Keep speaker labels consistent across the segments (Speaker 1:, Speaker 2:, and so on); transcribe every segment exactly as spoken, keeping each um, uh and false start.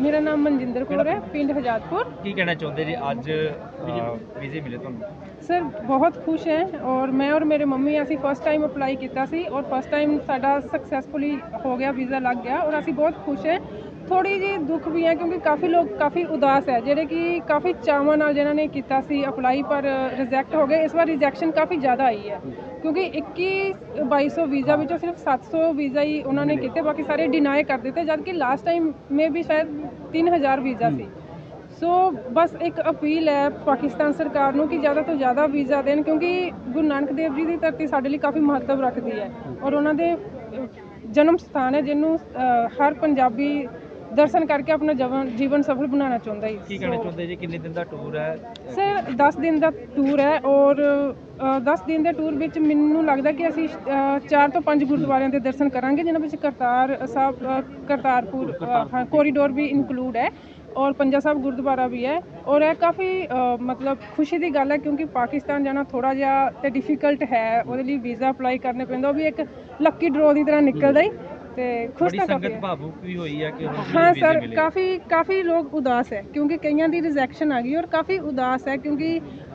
Speaker 1: मेरा नाम मनजिंदर कौर है, पिंड हजातपुर।
Speaker 2: की कहना चाहते जी अज वीजे मिले तुहानू?
Speaker 1: सर बहुत खुश हैं और मैं और मेरे मम्मी असी फर्स्ट टाइम अप्लाई किया सी और फर्स्ट टाइम साडा सक्सैसफुली हो गया, वीज़ा लग गया और असी बहुत खुश हैं। थोड़ी जी दुख भी है क्योंकि काफ़ी लोग काफ़ी उदास है ਜਿਹੜੇ कि काफ़ी ਚਾਵਾਂ ਨਾਲ ਜਿਨ੍ਹਾਂ ਨੇ ਕੀਤਾ ਸੀ ਅਪਲਾਈ ਪਰ ਰਿਜੈਕਟ ਹੋ ਗਏ। ਇਸ ਵਾਰ ਰਿਜੈਕਸ਼ਨ ਕਾफ़ी ज़्यादा आई है क्योंकि ਇੱਕੀ ਬਾਈ ਸੌ ਵੀਜ਼ਾ ਵਿੱਚੋਂ ਸਿਰਫ ਸੱਤ ਸੌ ਵੀਜ਼ਾ ਹੀ ਉਹਨਾਂ ਨੇ ਕੀਤੇ, ਬਾਕੀ ਸਾਰੇ ਡਿਨਾਈ ਕਰ ਦਿੱਤੇ, ਜਦ ਕਿ ਲਾਸਟ ਟਾਈਮ ਮੇ ਵੀ ਸ਼ਾਇਦ ਤਿੰਨ ਹਜ਼ਾਰ ਵੀਜ਼ਾ ਸੀ। ਸੋ ਬਸ ਇੱਕ ਅਪੀਲ ਹੈ ਪਾਕਿਸਤਾਨ ਸਰਕਾਰ ਨੂੰ ਕਿ ਜ਼ਿਆਦਾ ਤੋਂ ਜ਼ਿਆਦਾ ਵੀਜ਼ਾ ਦੇਣ, ਕਿਉਂਕਿ ਗੁਰੂ ਨਾਨਕ ਦੇਵ ਜੀ ਦੀ ਧਰਤੀ ਸਾਡੇ ਲਈ ਕਾफ़ੀ ਮਹੱਤਵ ਰੱਖਦੀ ਹੈ ਔਰ ਉਹਨਾਂ ਦੇ ਜਨਮ ਸਥਾਨ ਹੈ ਜਿਹਨੂੰ ਹਰ ਪੰਜਾਬੀ दर्शन करके अपना जवन जीवन सफल बनाना चाहता है।
Speaker 2: की कहना चाहते जी कितने दिन का टूर है?
Speaker 1: सर दस दिन का टूर है और दस दिन के टूर में मैनू लगता कि असी चार तो पाँच गुरुद्वारों के दर्शन करांगे, जिन्होंने में करतार साहब करतारपुर हाँ कोरीडोर भी इंकलूड है और पंजा साहब गुरुद्वारा भी है। और यह काफ़ी मतलब खुशी की गल है क्योंकि पाकिस्तान जाना थोड़ा जिहा तो डिफिकल्ट है, वो वीज़ा अप्लाई करने पैंदा, वो भी एक लक्की ड्रॉ की तरह निकलता ही। ਤੇ ਖੁਸ਼ ਤਾਂ ਕਾਫੀ
Speaker 2: ਭਾਵੁਕ ਵੀ ਹੋਈ ਹੈ ਕਿ
Speaker 1: ਹਾਂ ਸਰ ਕਾਫੀ ਕਾਫੀ ਲੋਕ ਉਦਾਸ ਹੈ ਕਿਉਂਕਿ ਕਈਆਂ ਦੀ ਰਿਜੈਕਸ਼ਨ ਆ ਗਈ ਔਰ ਕਾਫੀ ਉਦਾਸ ਹੈ ਕਿਉਂਕਿ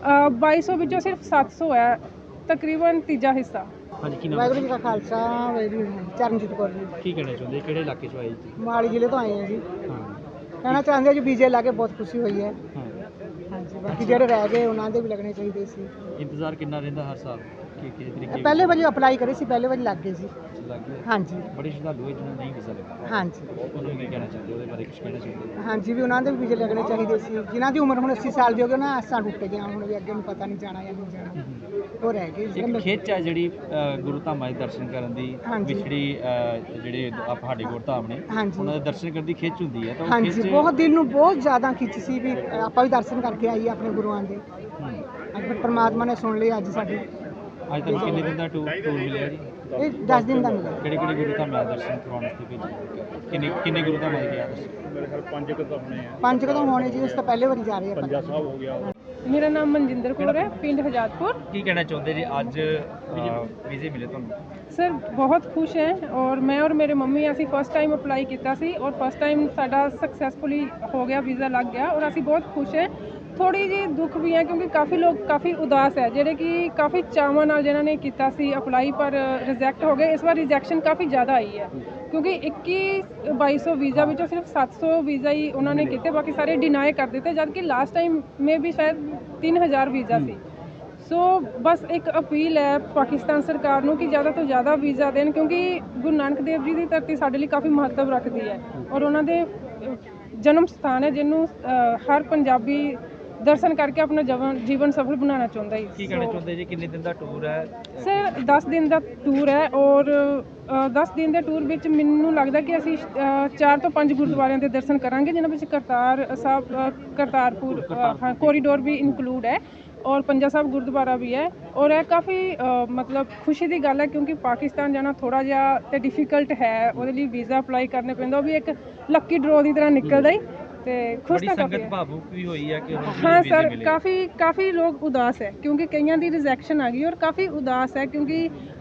Speaker 1: ਬਾਈ ਸੌ ਵਿੱਚੋਂ ਸਿਰਫ ਸੱਤ ਸੌ ਹੈ, ਤਕਰੀਬਨ ਤੀਜਾ ਹਿੱਸਾ।
Speaker 2: ਹਾਂਜੀ ਕੀ ਨਾਮ?
Speaker 3: ਵਾਹਿਗੁਰੂ ਜੀ ਕਾ ਖਾਲਸਾ ਵਾਹਿਗੁਰੂ ਜੀ ਕੀ ਚਰਨਜੀਤ ਕੌਰ ਜੀ।
Speaker 2: ਕੀ ਕਹਿਣਾ ਚਾਹੁੰਦੇ ਕਿਹੜੇ ਇਲਾਕੇ ਚੋਂ ਆਏ ਜੀ?
Speaker 3: ਮੋਹਾਲੀ ਜ਼ਿਲ੍ਹੇ ਤੋਂ ਆਏ ਹਾਂ ਜੀ।
Speaker 2: ਹਾਂ
Speaker 3: ਕਹਿਣਾ ਚਾਹੁੰਦੇ ਜੀ ਵੀਜ਼ੇ ਲਾ ਕੇ ਬਹੁਤ ਖੁਸ਼ੀ ਹੋਈ ਹੈ।
Speaker 2: ਹਾਂ
Speaker 3: ਹਾਂਜੀ ਬਾਕੀ ਜਿਹੜੇ ਰਹਿ ਗਏ ਉਹਨਾਂ ਦੇ ਵੀ ਲੱਗਣੇ ਚਾਹੀਦੇ ਸੀ।
Speaker 2: ਇੰਤਜ਼ਾਰ ਕਿੰਨਾ ਰਹਿੰਦਾ ਹਰ ਸਾਲ ਕਿ ਕਿਸ ਤਰੀਕੇ
Speaker 3: ਪਹਿਲੇ ਵਾਰੀ ਅਪਲਾਈ ਕਰੇ ਸੀ, ਪਹਿਲੇ ਵਾਰੀ ਲੱਗ ਗਏ ਸੀ।
Speaker 2: ਲੱਗ ਗਏ?
Speaker 3: ਹਾਂਜੀ
Speaker 2: ਬੜੇ ਸ਼ਰਧਾਲੂ ਹੈ ਜਿਹਨਾਂ ਨੂੰ ਨਹੀਂ ਵੀਜ਼ਾ ਲੱਗਾ।
Speaker 3: ਹਾਂਜੀ
Speaker 2: ਉਹਨਾਂ ਨੂੰ ਕੀ ਕਹਿਣਾ ਚਾਹੁੰਦੇ, ਉਹਦੇ ਬਾਰੇ ਕੁਝ ਕਹਿਣਾ ਚਾਹੁੰਦੇ?
Speaker 3: ਹਾਂਜੀ ਵੀ ਉਹਨਾਂ ਦੇ ਵੀ ਵੀਜ਼ੇ ਲੱਗਣੇ ਚਾਹੀਦੇ ਸੀ। ਜਿਨ੍ਹਾਂ ਦੀ ਉਮਰ ਹੁਣ ਅੱਸੀ ਸਾਲ ਦੀ ਹੋ ਗਈ, ਉਹਨਾਂ ਆਸਾਂ ਟੁੱਟ ਗਈਆਂ, ਹੁਣ ਵੀ ਅੱਗੇ ਨੂੰ ਪਤਾ ਨਹੀਂ ਜਾਣਾ ਜਾਂ ਨਹੀਂ ਜਾਣਾ, ਉਹ ਰਹਿ ਗਏ।
Speaker 2: ਇੱਕ ਖਿੱਚ ਹੈ ਜਿਹੜੀ ਗੁਰੂ ਧਾਮਾਂ ਦੇ ਦਰਸ਼ਨ ਕਰਨ ਦੀ,
Speaker 3: ਹਾਂਜੀ।
Speaker 2: ਵਿਛੜੀ ਜਿਹੜੇ ਸਾਡੇ ਗੁਰਧਾਮ ਨੇ
Speaker 3: ਹਾਂਜੀ।
Speaker 2: ਉਹਨਾਂ ਦੇ ਦਰਸ਼ਨ ਕਰਨ ਦੀ ਖਿੱਚ ਹੁੰਦੀ ਹੈ ਤਾਂ ਉਹ
Speaker 3: ਹਾਂਜੀ
Speaker 2: ਖਿੱਚ
Speaker 3: ਬਹੁਤ ਦਿਲ ਨੂੰ ਬਹੁਤ ਜ਼ਿਆਦਾ ਖਿੱਚ ਸੀ ਵੀ ਆਪਾਂ ਵੀ ਦਰਸ਼ਨ ਕਰਕੇ ਆਈਏ ਆਪਣੇ ਗੁਰੂਆਂ ਦੇ।
Speaker 2: ਹੂੰ।
Speaker 3: ਅੱਜ ਫਿਰ ਪਰਮਾਤਮਾ ਨੇ ਸੁਣ ਲਈ ਅੱਜ ਸਾਡੀ।
Speaker 2: ਅੱਜ ਤੱਕ ਕਿੰਨੇ ਦਿਨ ਦਾ ਟੂਰ ਟੂਰ ਮਿਲਿਆ ਜੀ?
Speaker 3: ਇਹ ਦਸ ਦਿਨ ਦਾ ਮਿਲਿਆ।
Speaker 2: ਕਿਹੜੇ ਕਿਹੜੇ ਗੁਰੂ ਧਾਮਾਂ ਦੇ ਦਰਸ਼ਨ ਕਰਵਾਉਣ ਵਾਸਤੇ ਭੇਜੇ? ਕਿੰਨੇ ਕਿੰਨੇ ਗੁਰੂ ਧਾਮਾਂ ਦੇ ਗਿਆ ਤੁਸੀਂ?
Speaker 4: ਮੇਰੇ ਖਿਆਲ ਪੰਜ ਕੁ ਤਾਂ ਹੋਣੇ ਆ।
Speaker 3: ਪੰਜ ਕਦੋਂ ਹੋਣੇ ਜੀ, ਉਸ ਤੋਂ ਪਹਿਲੇ ਵਾਰੀ ਜਾ ਰਹੇ ਆਪਾਂ।
Speaker 4: ਪੰਜਾ ਸਾਹਿਬ ਹੋ ਗਿਆ।
Speaker 1: ਮੇਰਾ ਨਾਮ ਮਨਜਿੰਦਰ ਕੌਰ ਹੈ, ਪਿੰਡ ਹਜਾਤपुर।
Speaker 2: ਕੀ ਕਹਿਣਾ ਚਾਹੁੰਦੇ ਜੀ ਅੱਜ ਵੀਜ਼ੇ ਮਿਲੇ ਤੁਹਾਨੂੰ?
Speaker 1: सर बहुत खुश हैं और मैं और मेरे मम्मी असी फर्स्ट टाइम अप्लाई किया सी और फर्स्ट टाइम साडा सक्सैसफुली हो गया, वीज़ा लग गया और असी बहुत खुश हैं। थोड़ी जी दुख भी है क्योंकि काफ़ी लोग काफ़ी उदास है ਜਿਹੜੇ कि काफ़ी ਚਾਵਾਂ ਨਾਲ ਜਿਨ੍ਹਾਂ ਨੇ ਕੀਤਾ ਸੀ ਅਪਲਾਈ ਪਰ ਰਿਜੈਕਟ ਹੋ ਗਏ। ਇਸ ਵਾਰ ਰਿਜੈਕਸ਼ਨ ਕਾफ़ी ज़्यादा आई है क्योंकि ਇੱਕੀ ਬਾਈ ਸੌ ਵੀਜ਼ਾ ਵਿੱਚੋਂ ਸਿਰਫ ਸੱਤ ਸੌ ਵੀਜ਼ਾ ਹੀ ਉਹਨਾਂ ਨੇ ਕੀਤੇ, ਬਾਕੀ ਸਾਰੇ ਡਿਨਾਈ ਕਰ ਦਿੱਤੇ, ਜਦ ਕਿ ਲਾਸਟ ਟਾਈਮ ਮੇ ਵੀ ਸ਼ਾਇਦ ਤਿੰਨ ਹਜ਼ਾਰ ਵੀਜ਼ਾ ਸੀ। ਸੋ ਬਸ ਇੱਕ ਅਪੀਲ ਹੈ ਪਾਕਿਸਤਾਨ ਸਰਕਾਰ ਨੂੰ ਕਿ ਜ਼ਿਆਦਾ ਤੋਂ ਜ਼ਿਆਦਾ ਵੀਜ਼ਾ ਦੇਣ, ਕਿਉਂਕਿ ਗੁਰੂ ਨਾਨਕ ਦੇਵ ਜੀ ਦੀ ਧਰਤੀ ਸਾਡੇ ਲਈ ਕਾफ़ੀ ਮਹੱਤਵ ਰੱਖਦੀ ਹੈ ਔਰ ਉਹਨਾਂ ਦੇ ਜਨਮ ਸਥਾਨ ਹੈ ਜਿਹਨੂੰ ਹਰ ਪੰਜਾਬੀ ਦਰਸ਼ਨ ਕਰਕੇ ਆਪਣਾ ਜਵਨ ਜੀਵਨ ਸਫਲ ਬਣਾਉਣਾ ਚਾਹੁੰਦਾ ਹੈ।
Speaker 2: ਕੀ ਕਹਿਣਾ ਚਾਹੁੰਦੇ ਜੀ ਕਿੰਨੇ ਦਿਨ ਦਾ ਟੂਰ ਹੈ?
Speaker 1: ਸਰ ਦਸ ਦਿਨ ਦਾ ਟੂਰ ਹੈ ਔਰ ਦਸ ਦਿਨ ਦੇ ਟੂਰ ਵਿੱਚ ਮੈਨੂੰ ਲੱਗਦਾ ਕਿ ਅਸੀਂ ਚਾਰ ਤੋਂ ਪੰਜ ਗੁਰਦੁਆਰਿਆਂ ਦੇ ਦਰਸ਼ਨ ਕਰਾਂਗੇ, ਜਿਨ੍ਹਾਂ ਵਿੱਚ ਕਰਤਾਰ ਸਾਹਿਬ ਕਰਤਾਰਪੁਰ ਹਾਂ ਕੋਰੀਡੋਰ ਵੀ ਇਨਕਲੂਡ ਹੈ और पंजा साहब गुरुद्वारा भी है। और यह काफ़ी मतलब खुशी की गल है क्योंकि पाकिस्तान जाना थोड़ा जिहा तो डिफिकल्ट है, वो वीज़ा अप्लाई करने पैंदा, वो भी एक लक्की ड्रॉ की तरह निकलता ही। तो खुश तो काफ़ी
Speaker 2: भावुक भी हुई है कि
Speaker 1: हाँ सर काफ़ी काफ़ी लोग उदास है क्योंकि कईयां दी रिजैक्शन आ गई और काफ़ी उदास है क्योंकि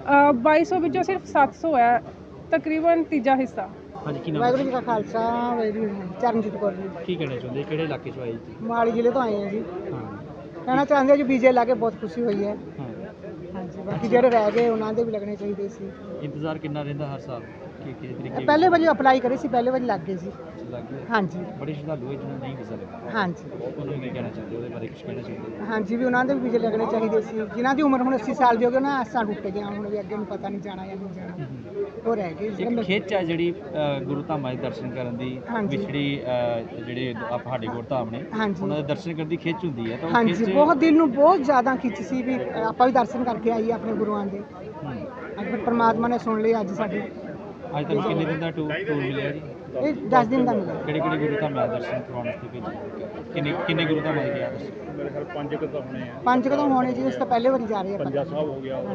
Speaker 1: बाई सौ ਵਿੱਚੋਂ ਸਿਰਫ ਸੱਤ ਸੌ है, तकरीबन तीजा हिस्सा।
Speaker 3: ਵਾਹਿਗੁਰੂ ਜੀ ਕਾ ਖਾਲਸਾ ਵਾਹਿਗੁਰੂ ਜੀ ਕੀ ਚਰਨਜੀਤ ਕੌਰ ਜੀ।
Speaker 2: ਕੀ ਕਹਿਣਾ ਚਾਹੁੰਦੇ ਕਿਹੜੇ ਇਲਾਕੇ ਚੋਂ ਆਏ ਜੀ?
Speaker 3: ਮੋਹਾਲੀ ਜ਼ਿਲ੍ਹੇ ਤੋਂ ਆਏ ਹਾਂ ਜੀ।
Speaker 2: ਹਾਂ
Speaker 3: ਕਹਿਣਾ ਚਾਹੁੰਦੇ ਜੀ ਵੀਜ਼ੇ ਲਾ ਕੇ ਬਹੁਤ ਖੁਸ਼ੀ ਹੋਈ ਹੈ।
Speaker 2: ਹਾਂ
Speaker 3: ਹਾਂਜੀ ਬਾਕੀ ਜਿਹੜੇ ਰਹਿ ਗਏ ਉਹਨਾਂ ਦੇ ਵੀ ਲੱਗਣੇ ਚਾਹੀਦੇ ਸੀ।
Speaker 2: ਇੰਤਜ਼ਾਰ ਕਿੰਨਾ ਰਹਿੰਦਾ ਹਰ ਸਾਲ ਕਿ ਕਿਸ ਤਰੀਕੇ
Speaker 3: ਪਹਿਲੇ ਵਾਰੀ ਅਪਲਾਈ ਕਰੇ ਸੀ, ਪਹਿਲੇ ਵਾਰੀ ਲੱਗ ਗਏ ਸੀ।
Speaker 2: ਲੱਗ ਗਏ?
Speaker 3: ਹਾਂਜੀ
Speaker 2: ਬੜੇ ਸ਼ਰਧਾਲੂ ਹੈ ਜਿਹਨਾਂ ਨੂੰ ਨਹੀਂ ਵੀਜ਼ਾ ਲੱਗਾ।
Speaker 3: ਹਾਂਜੀ
Speaker 2: ਉਹਨਾਂ ਨੂੰ ਕੀ ਕਹਿਣਾ ਚਾਹੁੰਦੇ, ਉਹਦੇ ਬਾਰੇ ਕੁਝ ਕਹਿਣਾ ਚਾਹੁੰਦੇ?
Speaker 3: ਹਾਂਜੀ ਵੀ ਉਹਨਾਂ ਦੇ ਵੀ ਵੀਜ਼ੇ ਲੱਗਣੇ ਚਾਹੀਦੇ ਸੀ। ਜਿਨ੍ਹਾਂ ਦੀ ਉਮਰ ਹੁਣ ਅੱਸੀ ਸਾਲ ਦੀ ਹੋ ਗਈ, ਉਹਨਾਂ ਆਸਾਂ ਟੁੱਟ ਗਈਆਂ, ਹੁਣ ਵੀ ਅੱਗੇ ਨੂੰ ਪਤਾ ਨਹੀਂ ਜਾਣਾ ਜਾਂ ਨਹੀਂ ਜਾਣਾ, ਉਹ ਰਹਿ ਗਏ।
Speaker 2: ਇੱਕ ਖਿੱਚ ਹੈ ਜਿਹੜੀ ਗੁਰੂ ਧਾਮਾਂ ਦੇ ਦਰਸ਼ਨ ਕਰਨ ਦੀ,
Speaker 3: ਹਾਂਜੀ।
Speaker 2: ਵਿਛੜੀ ਜਿਹੜੇ ਸਾਡੇ ਗੁਰਧਾਮ ਨੇ
Speaker 3: ਹਾਂਜੀ।
Speaker 2: ਉਹਨਾਂ ਦੇ ਦਰਸ਼ਨ ਕਰਨ ਦੀ ਖਿੱਚ ਹੁੰਦੀ ਹੈ ਤਾਂ ਉਹ
Speaker 3: ਹਾਂਜੀ
Speaker 2: ਖਿੱਚ
Speaker 3: ਬਹੁਤ ਦਿਲ ਨੂੰ ਬਹੁਤ ਜ਼ਿਆਦਾ ਖਿੱਚ ਸੀ ਵੀ ਆਪਾਂ ਵੀ ਦਰਸ਼ਨ ਕਰਕੇ ਆਈਏ ਆਪਣੇ ਗੁਰੂਆਂ ਦੇ।
Speaker 2: ਹੂੰ।
Speaker 3: ਅੱਜ ਫਿਰ ਪਰਮਾਤਮਾ ਨੇ ਸੁਣ ਲਈ ਅੱਜ ਸਾਡੀ।
Speaker 2: ਅੱਜ ਤੱਕ ਕਿੰਨੇ ਦਿਨ ਦਾ ਟੂਰ ਟੂਰ ਮਿਲਿਆ ਜੀ?
Speaker 3: ਇਹ ਦਸ ਦਿਨ ਦਾ ਮਿਲਿਆ।
Speaker 2: ਕਿਹੜੇ ਕਿਹੜੇ ਗੁਰੂ ਧਾਮਾਂ ਦੇ ਦਰਸ਼ਨ ਕਰਵਾਉਣ ਵਾਸਤੇ ਭੇਜੇ? ਕਿੰਨੇ ਕਿੰਨੇ ਗੁਰੂ ਧਾਮਾਂ ਦੇ ਗਿਆ ਤੁਸੀਂ?
Speaker 4: ਮੇਰੇ ਖਿਆਲ ਪੰਜ ਕੁ ਤਾਂ ਹੋਣੇ ਆ।
Speaker 3: ਪੰਜ ਕਦੋਂ ਹੋਣੇ ਜੀ, ਉਸ ਤੋਂ ਪਹਿਲੇ ਵਾਰੀ ਜਾ ਰਹੇ ਆਪਾਂ।
Speaker 4: ਪੰਜਾ ਸਾਹਿਬ ਹੋ ਗਿਆ।